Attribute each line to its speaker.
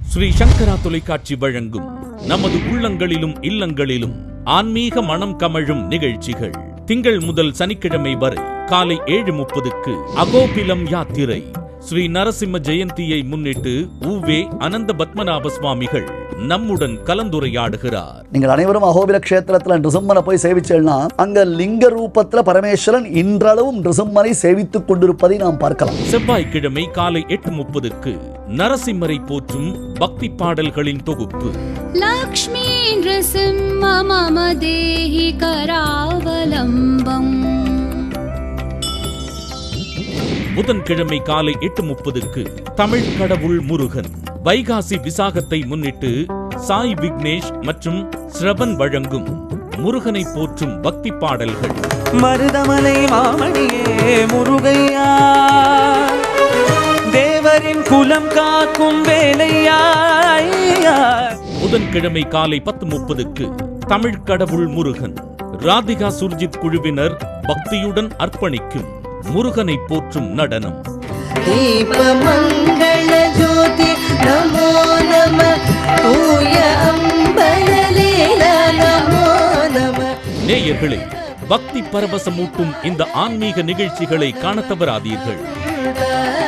Speaker 1: ஸ்ரீ சங்கரா தொலைக்காட்சி வழங்கும் நமது உள்ளங்களிலும் இல்லங்களிலும் ஆன்மீக மனம் கமழும் நிகழ்ச்சிகள் திங்கள் முதல் சனிக்கிழமை வரை காலை 7:30க்கு அகோபிலம் யாத்திரை ஸ்ரீ நரசிம்ம ஜெயந்தியை முன்னிட்டு உவே அனந்த பத்மநாப சுவாமிகள் நம்முடன் கலந்துரையாடுகிறார்.
Speaker 2: நீங்கள் அனைவரும் அகோபில கஷேத்திரத்துல நிருசிம்மனை போய் சேவிச்சேன்னா அங்க லிங்க ரூபத்துல பரமேஸ்வரன் இன்றளவும் நிருசிம்மனை சேவித்துக் கொண்டிருப்பதை நாம் பார்க்கலாம்.
Speaker 1: செவ்வாய்க்கிழமை காலை 8:30க்கு நரசிம்மரை போற்றும் பக்தி பாடல்களின் தொகுப்பு
Speaker 3: லக்ஷ்மி நிருசிம்ம மம தேஹி கராவலம்பம்.
Speaker 1: புதன்கிழமை காலை 8:30க்கு தமிழ் கடவுள் முருகன். வைகாசி விசாகத்தை முன்னிட்டு சாய் விக்னேஷ் மற்றும் ஸ்ரவன் வழங்கும் முருகனை போற்றும் பக்தி பாடல்கள்.
Speaker 4: மருதமலை மாமணியே முருகையா, தேவரின் குலம் காக்கும் வேலையா.
Speaker 1: புதன்கிழமை காலை 10:30க்கு தமிழ் கடவுள் முருகன். ராதிகா சுர்ஜித் குழுவினர் பக்தியுடன் அர்ப்பணிக்கும் முருகனை போற்றும் நடனம்.
Speaker 5: தீப மங்கள ஜோதி நமோ நம தூய அம்பலலீல நமோ நம.
Speaker 1: நேயர்களே, பக்தி பரவசமூட்டும் இந்த ஆன்மீக நிகழ்ச்சிகளை காண தவறாதீர்கள்.